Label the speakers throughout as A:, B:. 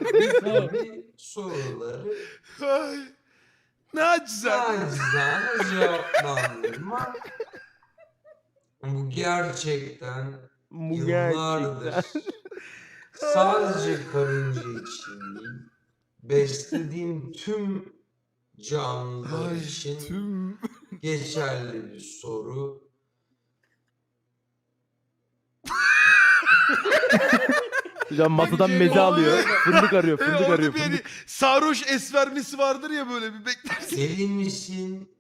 A: Tabii soruları
B: Ay, nacizane.
A: nacizane cevaplandırma. Bu gerçekten
C: Bu
A: yıllardır
C: gerçekten.
A: sadece karınca için değil, beslediğim tüm canlılar
B: Ay,
A: için
B: tüm...
A: geçerli bir soru.
C: Hocam masadan
B: Peki,
C: meze
B: o-
C: alıyor. Fındık arıyor, fındık
B: orada
C: arıyor.
B: bir hani
C: Fındık.
B: sarhoş esvermesi vardır ya böyle bir beklersin.
A: Deli misin?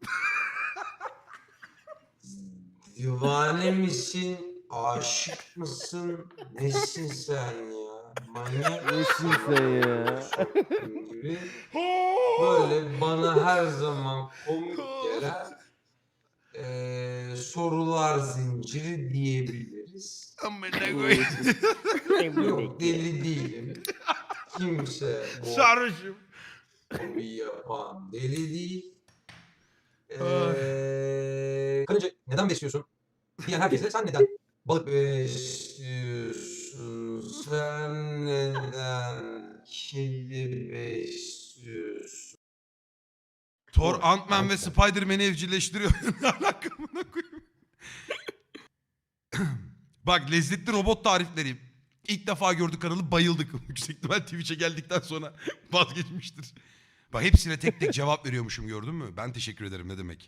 A: Divane misin? Aşık mısın? Nesin sen ya? Manyak
C: Nesin
A: mısın?
C: sen ya?
A: Soktum gibi. Böyle bana her zaman komik gelen sorular zinciri diyebiliriz.
B: Amına koyayım.
A: Yok deli değilim. Kimse bu
B: Sarhoşum.
A: hobi yapan deli değil.
B: Ay.
A: Karınca neden besliyorsun? Diyen herkese sen neden balık besliyorsun? Sen neden kedi besliyorsun?
B: Thor, Ant-Man ve Spider-Man'i evcilleştiriyor. Ne alaka amına koyayım? Bak lezzetli robot tarifleri. İlk defa gördük kanalı bayıldık. Yüksek ihtimal Twitch'e geldikten sonra vazgeçmiştir. Bak hepsine tek tek cevap veriyormuşum gördün mü? Ben teşekkür ederim ne demek.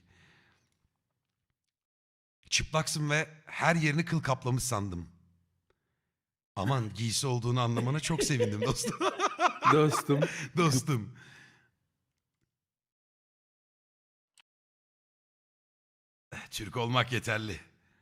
B: Çıplaksın ve her yerini kıl kaplamış sandım. Aman giysi olduğunu anlamana çok sevindim dostum.
D: Dostum.
B: Dostum. Türk olmak yeterli.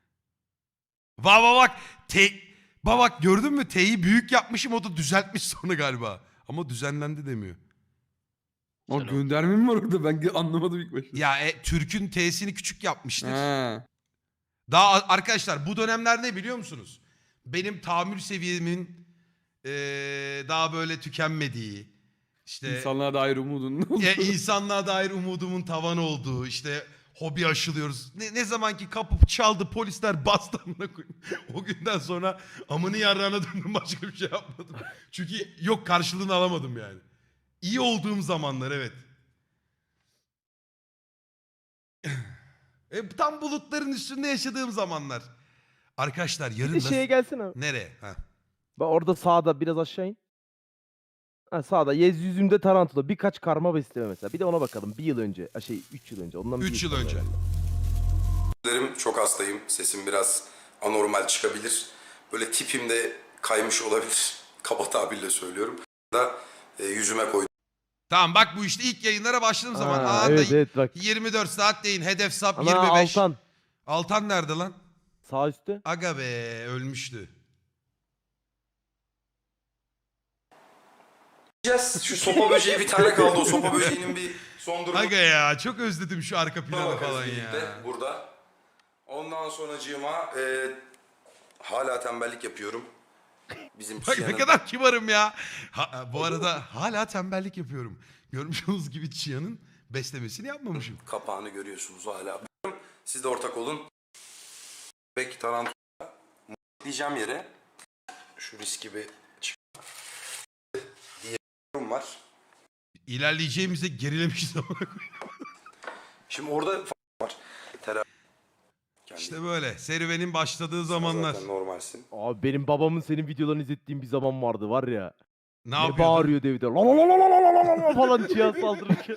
B: Bak. Bak gördün mü? T'yi büyük yapmışım o da düzeltmiş sonra galiba. Ama düzenlendi demiyor.
D: O gönderme mi var orada? Ben anlamadım ilk başta.
B: Ya Türk'ün T'sini küçük yapmıştır.
D: Ha.
B: Daha arkadaşlar bu dönemler ne biliyor musunuz? Benim tahammül seviyemin daha böyle tükenmediği, işte
D: İnsanlığa dair umudun.
B: insanlığa dair umudumun tavan olduğu, işte hobi aşılıyoruz. Ne zaman ki kapı çaldı polisler bastı amına koyayım. O günden sonra amını yarrağına döndüm başka bir şey yapmadım. Çünkü yok karşılığını alamadım yani. İyi olduğum zamanlar evet. Tam bulutların üstünde yaşadığım zamanlar. Arkadaşlar yarın
C: Bir de şeye gelsene.
B: nereye? Ha.
C: Bak orada sağda biraz aşağı in. Ha, sağda yüzümde tarantula. Birkaç karma besleme mesela. Bir de ona bakalım. Bir yıl önce. 3 yıl önce. Ondan bir
B: 3 yıl
C: sonra
B: önce.
C: herhalde.
E: Çok hastayım. Sesim biraz anormal çıkabilir. Böyle tipim de kaymış olabilir. Kaba tabirle söylüyorum. Da yüzüme koydum.
B: Tamam bak bu işte ilk yayınlara başladığım zaman
C: Ha,
B: anında
C: evet bak.
B: 24 saat deyin hedef sap
C: Ana
B: 25.
C: Altan.
B: Altan nerede lan?
C: Sağ üstte.
B: Aga be ölmüştü.
E: Şu sopa böceği bir tane kaldı. O sopa böceğinin bir son durumu.
B: Aga ya çok özledim şu arka planı
E: Bakarız
B: falan
E: birlikte
B: ya.
E: burada. Ondan sonracığıma hala tembellik yapıyorum. Bizim
B: Bak ne
E: Çiğan'ın
B: kadar kibarım ya. Bu arada hala tembellik yapıyorum. Görmüş olduğunuz gibi Çiğan'ın beslemesini yapmamışım.
E: kapağını görüyorsunuz hala. Siz de ortak olun. Bek tarantula diyeceğim yere şu riski bir diye var.
B: İlerleyeceğimize gerilemişiz ama.
E: Şimdi orada var.
B: İşte böyle serüvenin başladığı zamanlar.
E: Zaten normalsin.
C: Abi benim babamın senin videolarını izlettiğim bir zaman vardı var ya.
B: Ne
C: Ne
B: yapıyordun?
C: bağırıyordu evde. La la la la la la la la falan cihaz saldırırken.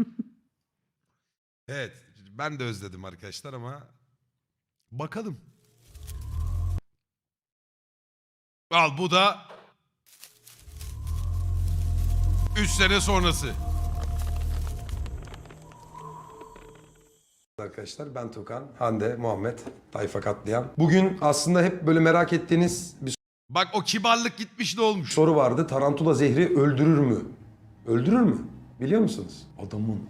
B: Evet ben de özledim arkadaşlar ama bakalım. Al bu da 3 sene sonrası.
E: Arkadaşlar ben Tukan, Hande, Muhammed, Tayfa Katliam. Bugün aslında hep böyle merak ettiğiniz bir
B: Bak o kibarlık gitmiş ne olmuş?
E: soru vardı. Tarantula zehri öldürür mü? Öldürür mü? Biliyor musunuz? Adamın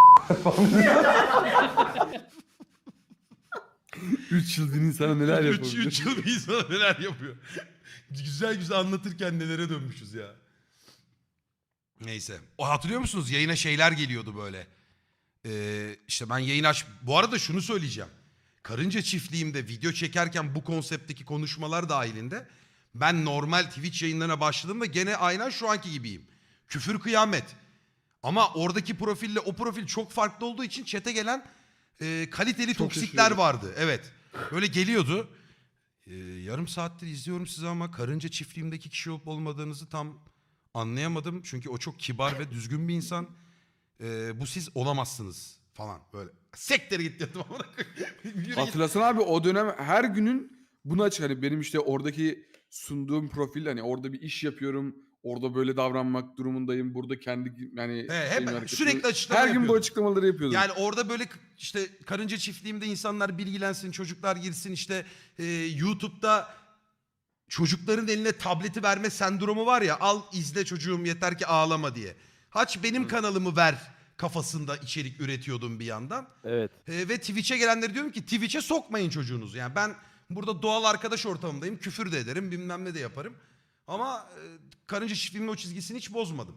D: 3 yıl bir insana neler
B: 3
D: yapabilir?
B: yıl bir insan neler yapıyor. Güzel güzel anlatırken nelere dönmüşüz ya. Neyse. O hatırlıyor musunuz? Yayına şeyler geliyordu böyle. İşte ben yayın aç... Bu arada şunu söyleyeceğim. Karınca çiftliğimde video çekerken bu konseptteki konuşmalar dahilinde Ben normal Twitch yayınlarına başladığımda gene aynen şu anki gibiyim. Küfür kıyamet. Ama oradaki profille o profil çok farklı olduğu için chat'e gelen kaliteli toksikler vardı. Evet. Böyle geliyordu. Yarım saattir izliyorum sizi ama karınca çiftliğimdeki kişi olup olmadığınızı tam anlayamadım. Çünkü o çok kibar ve düzgün bir insan. Bu siz olamazsınız falan böyle. Sektere git dedim. Yürü git.
D: Hatırlasana abi o dönem her günün bunu açık. Hani benim işte oradaki sunduğum profil hani orada bir iş yapıyorum. Orada böyle davranmak durumundayım. Burada kendi yani
B: Hep
D: şeyim, hareketimi-
B: sürekli açıklama
D: her gün bu
B: yapıyordum.
D: açıklamaları yapıyordum.
B: Yani orada böyle işte karınca çiftliğimde insanlar bilgilensin, çocuklar girsin işte YouTube'da çocukların eline tableti verme sendromu var ya, al izle çocuğum yeter ki ağlama diye. Haç benim kanalımı ver kafasında içerik üretiyordum bir yandan.
C: Evet.
B: Ve Twitch'e gelenleri diyorum ki Twitch'e sokmayın çocuğunuzu. Yani ben burada doğal arkadaş ortamındayım, küfür de ederim, bilmem ne de yaparım. Ama karınca çiftliğimin o çizgisini hiç bozmadım.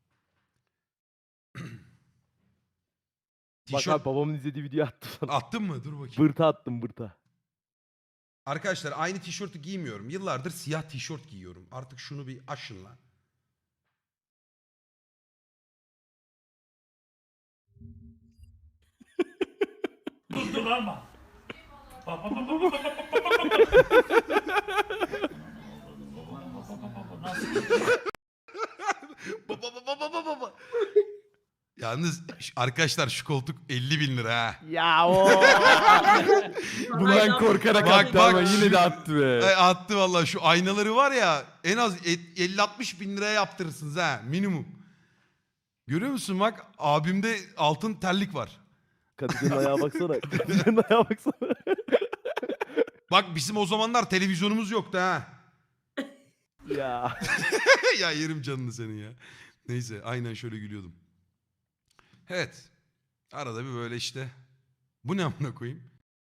C: Bak
B: Tişört
C: abi babamın izlediği videoyu attım sana.
B: attın mı? Dur bakayım.
C: Bırta attım bırta.
B: Arkadaşlar aynı tişörtü giymiyorum. Yıllardır siyah tişört giyiyorum. Artık şunu bir aşın lan.
F: Durdularma. Bak bak bak bak bak bak.
B: Baba. Yalnız arkadaşlar şu koltuk 50 bin lira ha.
C: Ya o.
D: Bundan korkarak
B: Bak,
D: attı
B: bak,
D: ama yine de attı be.
B: Attı vallahi şu aynaları var ya en az 50-60 bin liraya yaptırırsınız ha minimum. Görüyor musun bak abimde altın terlik var.
C: Kadıcı'nın ayağa baksana. Kadıcı'nın ayağa baksana.
B: Bak bizim o zamanlar televizyonumuz yoktu ha.
C: Ya.
B: Ya yerim canını senin ya. Neyse aynen şöyle gülüyordum. Evet. Arada bir böyle işte. Bu ne amına koyayım?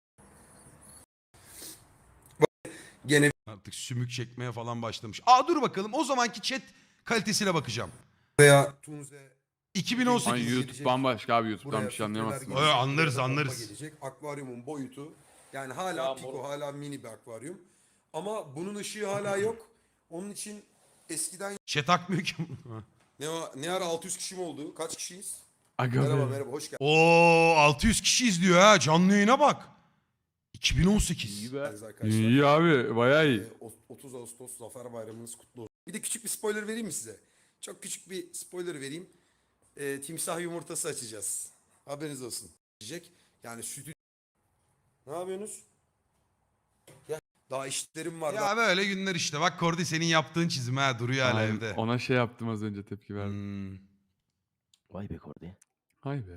E: Gene
B: Artık sümük çekmeye falan başlamış. Aa dur bakalım o zamanki chat kalitesine bakacağım.
E: veya Tunze
B: 2018.
D: Ay YouTube bambaşka abi YouTube'dan
E: buraya
D: bir şey anlayamazsın.
E: filtreler
B: Öyle
E: gelecek,
B: anlarız,
E: buraya da
B: anlarız.
E: pompa gelecek. Akvaryumun boyutu yani hala piko hala mini bir akvaryum. Ama bunun ışığı hala yok. Onun için eskiden
B: Chat akmıyor ki.
E: ne ara 600 kişi mi oldu? Kaç kişiyiz?
D: Aga
E: Merhaba
D: be.
E: merhaba hoş
B: Oo 600 kişi izliyor ha canlı yayına bak. 2018.
C: İyi be.
E: geldiniz arkadaşlar.
D: İyi abi bayağı iyi.
E: 30 Ağustos Zafer Bayramınız kutlu olsun. Bir de küçük bir spoiler vereyim mi size? Çok küçük bir spoiler vereyim. Timsah yumurtası açacağız. Haberiniz olsun. Diyecek. Yani sütü... Ne yapıyorsunuz? Ya, daha işlerim var.
B: Ya böyle günler işte. Bak Kordi senin yaptığın çizim ha duruyor hala
D: Aynen,
B: evde.
D: ona şey yaptım az önce tepki verdim.
B: Hmm.
C: Vay be Kordi.
D: Hay be.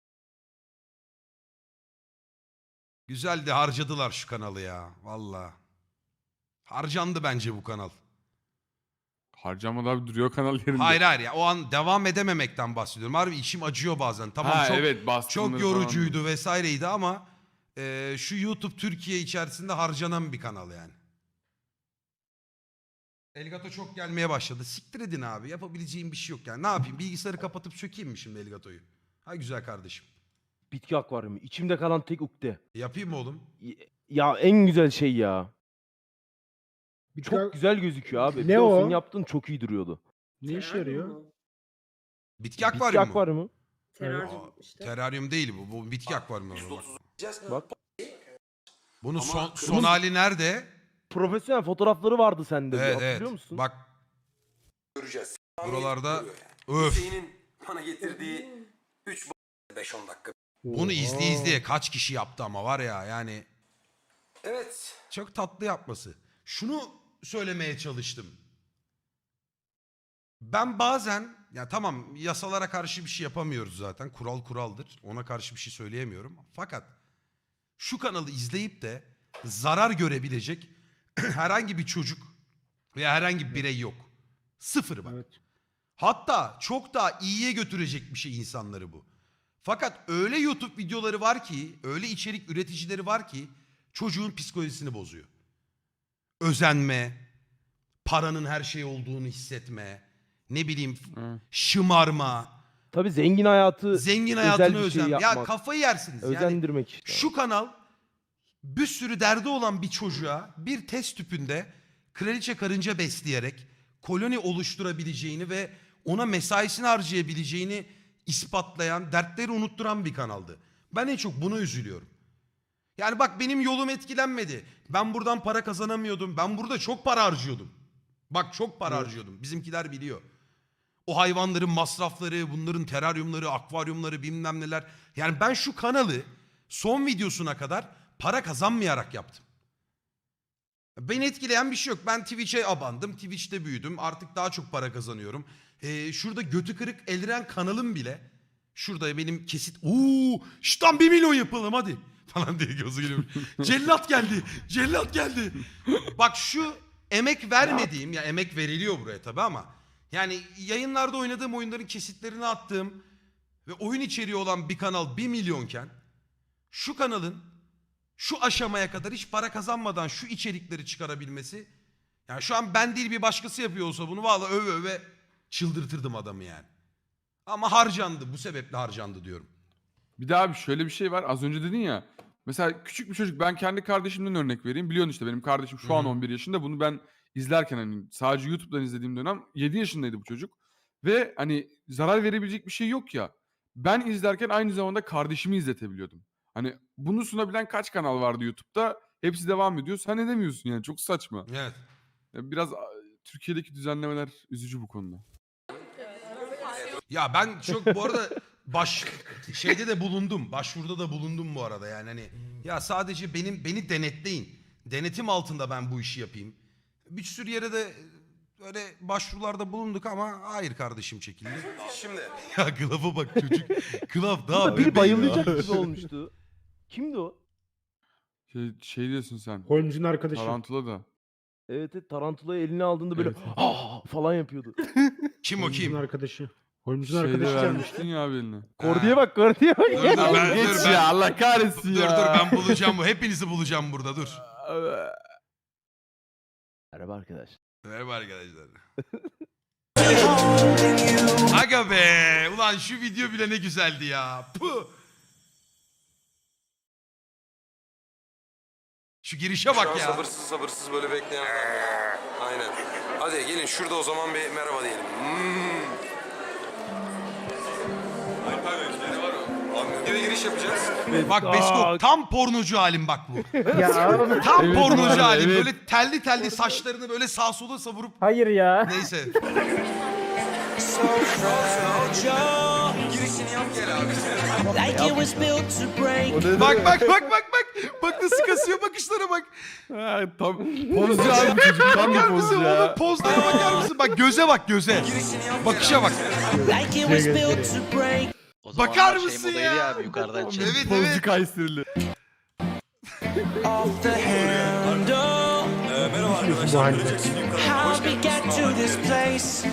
B: Güzeldi harcadılar şu kanalı ya. Valla. Harcandı bence bu kanal.
D: Harcamadı abi duruyor kanal yerinde.
B: Hayır ya o an devam edememekten bahsediyorum. Harbi içim acıyor bazen. Tamam
D: Ha,
B: çok
D: evet, bastımları
B: çok yorucuydu vesaireydi ama şu YouTube Türkiye içerisinde harcanan bir kanal yani. Elgato çok gelmeye başladı. Siktir edin abi. Yapabileceğim bir şey yok yani. Ne yapayım? Bilgisayarı kapatıp sökeyim mi şimdi Elgato'yu? Ha güzel kardeşim.
C: Bitki akvaryumu. İçimde kalan tek ukde.
B: Yapayım mı oğlum?
C: Ya en güzel şey ya.
G: Bir
C: Çok güzel gözüküyor abi.
G: Ne
C: Bir de
G: o?
C: senin yaptığın çok iyi duruyordu.
G: Ne işe yarıyor?
B: Bitki
C: Bitki
B: akvaryumu mu?
C: akvaryumu.
B: Aa, teraryum değil bu. Bu bitki akvaryumu.
C: Bak.
B: Bunun
E: Ama
B: son
E: kırmızı-
B: hali nerede?
C: Profesyonel fotoğrafları vardı sende.
B: Evet
C: Hatırlıyor
B: evet.
C: musun?
B: Bak
E: Göreceğiz.
B: buralarda
E: Duruyor yani.
B: öf.
E: Hüseyin'in bana getirdiği 5-10 dakika.
B: Bunu izleye kaç kişi yaptı ama var ya yani
E: Evet.
B: çok tatlı yapması. Şunu söylemeye çalıştım. Ben bazen ya tamam yasalara karşı bir şey yapamıyoruz zaten. Kural kuraldır. Ona karşı bir şey söyleyemiyorum. Fakat şu kanalı izleyip de zarar görebilecek herhangi bir çocuk veya herhangi bir birey yok. Sıfır bak.
G: Evet.
B: Hatta çok daha iyiye götürecek bir şey insanları bu. Fakat öyle YouTube videoları var ki, öyle içerik üreticileri var ki çocuğun psikolojisini bozuyor. Özenme, paranın her şey olduğunu hissetme, ne bileyim
D: Hı.
B: şımarma,
C: Tabii zengin hayatı
B: zengin
C: özel
B: hayatını
C: bir şey
B: özenme. Ya
C: yapmak.
B: kafayı yersiniz. Yani
C: özendirmek işte.
B: şu kanal bir sürü derdi olan bir çocuğa bir test tüpünde kraliçe karınca besleyerek koloni oluşturabileceğini ve ona mesaisini harcayabileceğini ispatlayan, dertleri unutturan bir kanaldı. Ben en çok buna üzülüyorum. Yani bak benim yolum etkilenmedi. Ben buradan para kazanamıyordum. Ben burada çok para harcıyordum. Bak çok para harcıyordum. Bizimkiler biliyor. O hayvanların masrafları, bunların teraryumları, akvaryumları bilmem neler. Yani ben şu kanalı son videosuna kadar para kazanmayarak yaptım. Beni etkileyen bir şey yok. Ben Twitch'e abandım. Twitch'te büyüdüm. Artık daha çok para kazanıyorum. Şurada götü kırık Eldiren kanalım bile. Şurada benim kesit. Şuradan 1 milyon yapalım hadi. Falan diye gözü geliyor. Cellat geldi. Cellat geldi. Bak şu emek vermediğim, ya emek veriliyor buraya tabii ama yani yayınlarda oynadığım oyunların kesitlerini attığım ve oyun içeriği olan bir kanal 1 milyonken şu kanalın şu aşamaya kadar hiç para kazanmadan şu içerikleri çıkarabilmesi, yani şu an ben değil bir başkası yapıyor olsa bunu vallahi öve öve çıldırtırdım adamı yani. Ama harcandı, bu sebeple harcandı diyorum.
D: Bir daha abi şöyle bir şey var. Az önce dedin ya. Mesela küçük bir çocuk. Ben kendi kardeşimden örnek vereyim. Biliyorsun işte benim kardeşim şu an 11 yaşında. Bunu ben izlerken hani sadece YouTube'dan izlediğim dönem 7 yaşındaydı bu çocuk. Ve hani zarar verebilecek bir şey yok ya. Ben izlerken aynı zamanda kardeşimi izletebiliyordum. Hani bunu sunabilen kaç kanal vardı YouTube'da? Hepsi devam ediyor. Sen edemiyorsun yani. Çok saçma.
B: Evet.
D: Biraz Türkiye'deki düzenlemeler üzücü bu konuda.
B: Ya ben çok bu arada şeyde de bulundum. Başvuruda da bulundum bu arada yani hani ya sadece beni denetleyin. Denetim altında ben bu işi yapayım. Bir sürü yere de öyle başvurularda bulunduk ama hayır kardeşim çekildi.
E: Şimdi
B: Ya Klaf'a bak çocuk. Klaf daha
C: Biri
B: bebeğim
C: bayılacak
B: ya.
C: gibi olmuştu. Kimdi o?
D: Şey diyorsun sen.
G: Holmes'un arkadaşı.
D: Tarantula da.
C: Evet, evet, tarantulayı eline aldığında böyle
G: Evet.
C: falan yapıyordu.
B: Kim o
G: Holmes'un
B: kim?
G: arkadaşı. Holmes'un
D: Şeyde
G: arkadaşı gelmiş.
D: vermiştin ya abi eline.
C: Kordiye bak, Kordiye bak.
B: Dur dur ben,
D: Geç
B: dur, ben,
D: ya Allah kahretsin
B: dur
D: ya.
B: dur ben bulacağım bu. Hepinizi bulacağım burada dur.
C: Merhaba arkadaş.
B: Merhaba arkadaşlar. Aga be. Ulan şu video bile ne güzeldi ya. Puh. Şu girişe
E: şu
B: bak
E: an
B: ya.
E: sabırsız sabırsız böyle bekleyen adam ya. Aynen. Hadi gelin şurada o zaman bir merhaba diyelim. Abi giriş yapacağız.
B: Bak Besko tam pornocu halim bak bu.
G: Ya
B: Tam
D: Evet,
B: pornocu
D: abi,
B: halim.
D: evet.
B: Böyle telli telli saçlarını böyle sağa sola savurup
G: hayır ya.
B: neyse.
E: Girişini yap gel abi.
H: Like it was built to break.
B: Bak bak bak bak bak. Bak nasıl kasıyor bakışlara bak.
D: Ha, tam pozcu abi çocuk. Tam bir
B: Bakar mısın
D: pozcu
B: oğlum?
D: ya.
B: Pozlara bakar mısın? Bak göze bak göze.
E: Girişini yap
B: Bakışa bak.
H: Like it was built to break.
I: O
B: Bakar
I: zamanlar
B: mısın
I: modaydı
B: ya?
I: Abi, yukarıdan çek.
B: Evet
D: Pozcu
B: evet.
D: Kayserili.
H: Off the handle.
E: Merhaba arkadaşlar.
H: How we get to this place?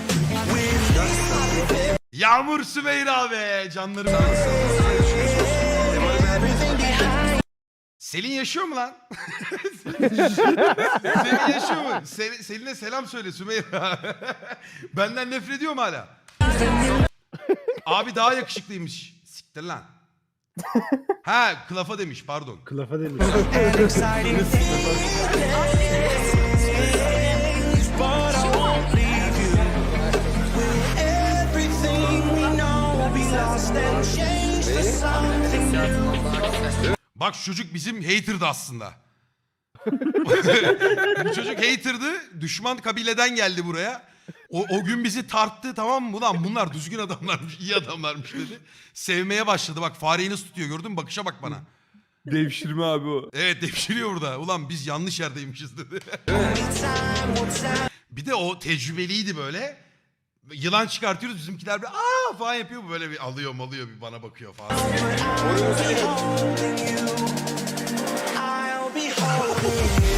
B: Yağmur Sümeyra be canlarım. Selin yaşıyor mu lan? Selin yaşıyor mu? Selin'e selam söyle Sümeyra. Benden nefret ediyor mu hala? Abi daha yakışıklıymış. Siktir lan. Ha Klaf'a demiş pardon.
G: Kılafa demiş.
H: Exciting things, but I won't leave you. Will everything we know be lost and changed for something new?
B: Bak şu çocuk bizim hater'dı aslında. Bu çocuk hater'dı. Düşman kabileden geldi buraya. O gün bizi tarttı tamam mı? Ulan bunlar düzgün adamlarmış, iyi adamlarmış dedi. Sevmeye başladı. Bak fareyi nasıl tutuyor gördün mü? Bakışa bak bana.
D: Devşirme abi o.
B: Evet devşiriyor burada. Ulan biz yanlış yerdeymişiz dedi. Bir de o tecrübeliydi böyle. Yılan çıkartıyoruz bizimkiler bir aa falan yapıyor. Bu böyle bir alıyor bir bana bakıyor falan.
H: I'll be holding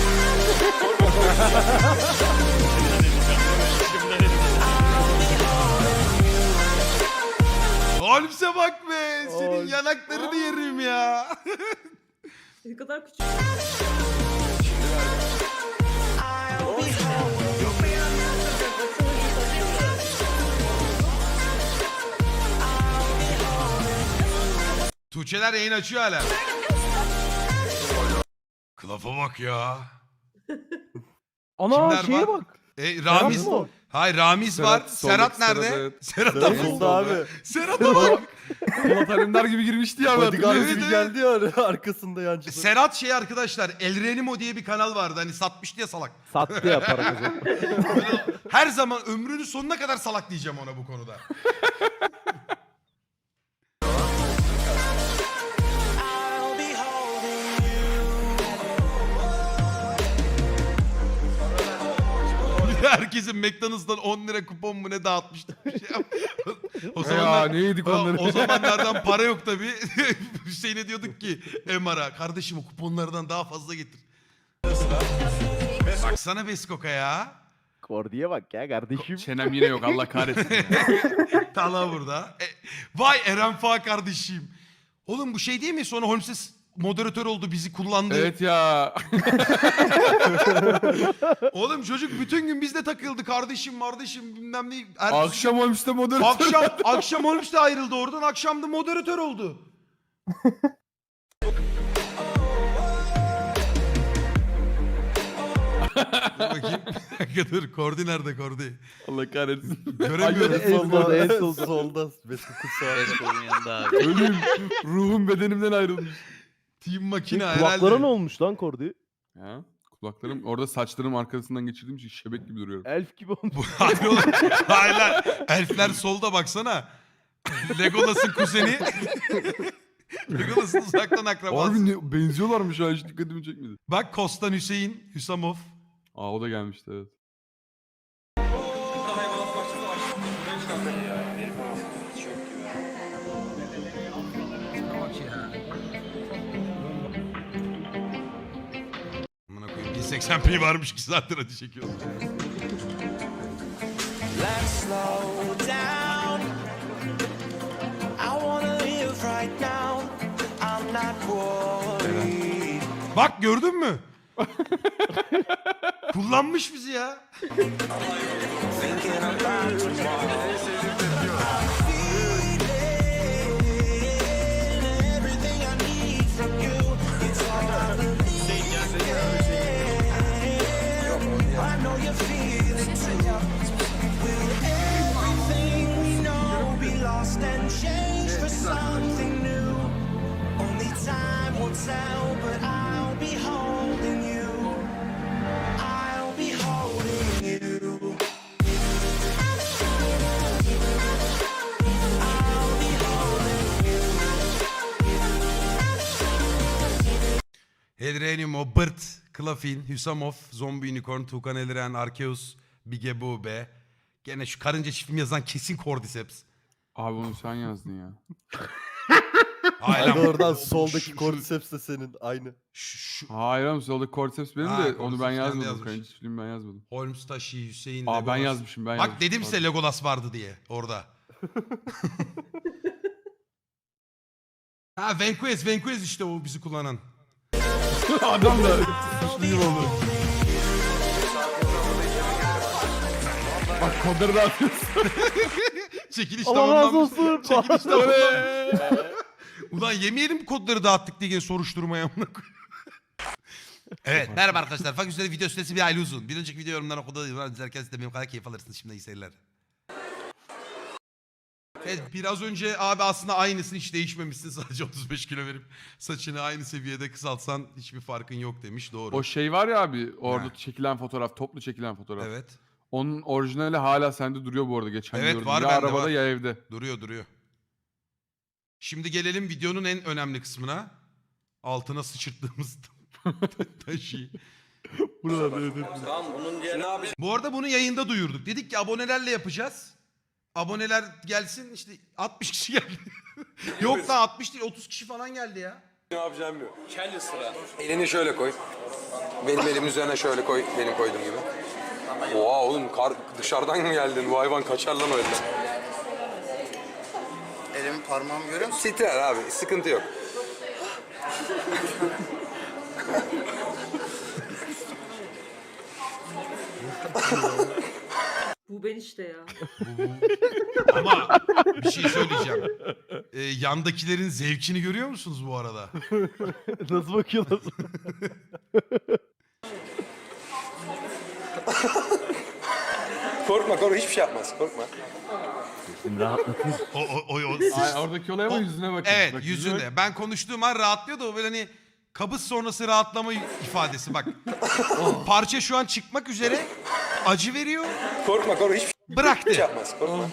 B: Holmes'e bak be. Senin yanaklarını yerim ya.
J: Ne kadar küçük.
H: I'll be holding
B: Tuğçeler yayın açıyor hala. Klaf'a bak ya.
C: Ana
B: Kimler
C: şeye
B: var?
C: bak.
B: Ramiz.
C: mı o?
B: Hayır Ramiz var.
D: Serhat,
B: Serhat
D: soldaki
B: nerede?
D: Serhat, evet.
B: Serhat'a
D: Serhat
B: bak.
D: solda abi.
B: Serhat'a bak.
D: Polat Alemdar gibi girmişti ya.
B: Bodyguard gibi
I: geldi ya arkasında yancı.
B: Serhat şey arkadaşlar, El Renimo diye bir kanal vardı. Hani satmıştı ya salak.
C: Sattı ya para kazandı.
B: Her zaman ömrünün sonuna kadar salak diyeceğim ona bu konuda.
H: I'll be holding you.
B: Herkesin McDonald's'tan 10 lira kupon mu ne dağıtmıştı. O
D: Ya
B: zamanlar,
D: ne yedik onları.
B: o zamanlardan para yok tabii. Hüseyin'e diyorduk ki Emar'a, kardeşim o kuponlardan daha fazla getir. Baksana Beskok'a ya.
C: Kordi'ye bak ya kardeşim.
D: Çenem yine yok Allah kahretsin ya.
B: Tala burada. Vay Eren Fa kardeşim. Oğlum bu şey değil mi? Sonra Holmes moderatör oldu, bizi kullandı.
D: Evet ya.
B: Oğlum çocuk bütün gün bizde takıldı. Kardeşim bilmem ne.
D: Akşam olmuşta moderatör.
B: Akşam Holmes de ayrıldı oradan. Akşam da moderatör oldu. Dur bakayım. Dur Kordi nerede Kordi?
D: Allah kahretsin.
B: Göremiyorum.
C: En solda, en solda.
I: Solda.
K: Besko'nun yanında abi.
D: Ölüm. Ruhum bedenimden ayrılmış.
B: Team makine
C: Kulaklara
B: herhalde.
C: ne olmuş lan Kordi?
D: Ya, kulaklarım orada saçlarım arkasından geçirdiğim için şebek gibi duruyorum.
C: Elf gibi olmuş.
B: Hayır oğlum. Hayır lan. Elfler solda baksana. Legolas'ın kuzeni. Legolas'ın uzaktan akrabası.
D: Harbi benziyorlarmış ha hiç dikkatimi çekmedi.
B: Bak Kostan Hüseyin, Hüsamov.
D: Aa o da gelmişti evet.
B: Amına koyayım 1080p varmış 2 saattir acı çekiyoruz.
H: Let's slow down. I wanna live right now. I'm not worried.
B: Bak gördün mü? Kullanmış bizi ya.
H: Thinking about tomorrow. Everything I need from you. It's all I believe. I know you feel it too. Will everything we know be lost and changed for something new? Only time will tell, but I'll be holding you. I'll be holding you. I'll be holding you.
B: Hedrenimo, Bırt, Klafin, Hüsamov, Zombi Unicorn, Tukan Elren, Arkeus, Bige Bube. Gene şu karınca çiftimi yazan kesin Cordyceps.
D: Abi onu sen yazdın ya.
B: Hayır
I: Hadi
B: lan.
I: oradan
B: Şu-
I: soldaki
B: şu-
I: Cordyceps de senin aynı.
D: Hayır oğlum soldaki Cordyceps benim
B: Ha,
D: de onu
B: Cordyceps
D: ben
B: kendi
D: yazmadım.
B: yazmış.
D: Kraliçe çiftliğimi ben yazmadım.
B: Holmes Taşı, Hüseyin,
D: Aa ben
B: Legolas.
D: yazmışım ben
B: Bak
D: yazmışım.
B: dedim size Legolas vardı diye orada. Ha Vanquez işte o bizi kullanan.
D: Adam da suçlu gibi oldu. Bak kodları da atıyorsun.
B: Çekiliş
C: Allah razı
B: tamamlanmış.
C: olsun.
B: Çekiliş tamamlanmış. Ulan yemeyelim kodları dağıttık diye soruşturmaya amına koyayım. Evet merhaba arkadaşlar. Fakir Üstelik video süresi bir aile uzun. Bir önceki video yorumlarına okulda izlerken siz de benim kadar keyif alırsınız. Şimdi iyi seyirler. Evet biraz önce abi aslında aynısın hiç değişmemişsin. Sadece 35 kilo verip saçını aynı seviyede kısaltsan hiçbir farkın yok demiş. Doğru.
D: O şey var ya abi orada
B: Ha.
D: çekilen fotoğraf, toplu çekilen fotoğraf.
B: Evet
D: Onun orijinali hala sende duruyor bu arada geçen
B: Evet,
D: gördüm.
B: var
D: ya
B: bende,
D: arabada
B: var.
D: ya evde.
B: duruyor. Şimdi gelelim videonun en önemli kısmına. Altına sıçırttığımız taşı.
D: Buralarda evet.
B: Bu arada bunu yayında duyurduk. Dedik ki abonelerle yapacağız. Aboneler gelsin işte 60 kişi geldi. Yok da 60 değil 30 kişi falan geldi ya.
E: Elini şöyle koy. Benim elimin üzerine şöyle koy. Benim koyduğum gibi. Oha oğlum dışarıdan mı geldin? Bu hayvan kaçar lan o elden.
K: Elimin parmağımı görüyor musun?
E: Titrer abi. Sıkıntı yok.
J: Bu ben işte ya.
B: Ama bir şey söyleyeceğim. Yandakilerin zevkini görüyor musunuz bu arada?
C: Nasıl bakıyorlar?
E: Korkma hiçbir şey yapmaz. Korkma.
C: Şimdi rahatlatıyor.
D: Ay, oradaki olay ama yüzüne bakın.
B: Evet
D: Bak,
B: yüzünde. Ben konuştuğum an rahatlıyor da o böyle hani kabız sonrası rahatlama ifadesi bak. Parça şu an çıkmak üzere. Acı veriyor.
E: Korkma hiçbir
B: Bıraktı.
E: şey yapmaz. Korkma.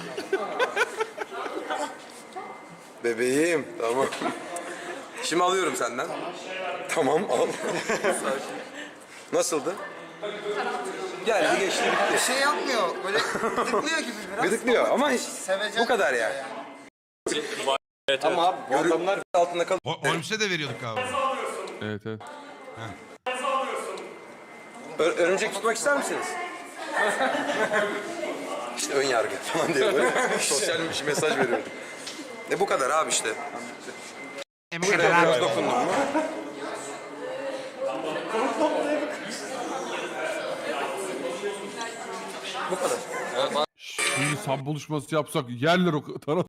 E: Bebeğim tamam. Şimdi alıyorum senden. Tamam al. Nasıldı? Geldi geçti bitti.
K: Bir şey yapmıyor. Böyle tıklıyor gibi biraz.
E: Gıdıklıyor ama
K: Sevecen
E: bu kadar yani. Ama abi bu adamlar altında kalıyor.
B: Holmes'e de veriyorduk abi.
D: Evet.
E: Örümcek tutmak ister misiniz? İşte ön yargı falan diye böyle sosyal bir mesaj veriyorum. Bu kadar abi işte. Şuraya biraz dokundum mu? Bu kadar.
D: Şimdi sab buluşması yapsak yerler o taraf.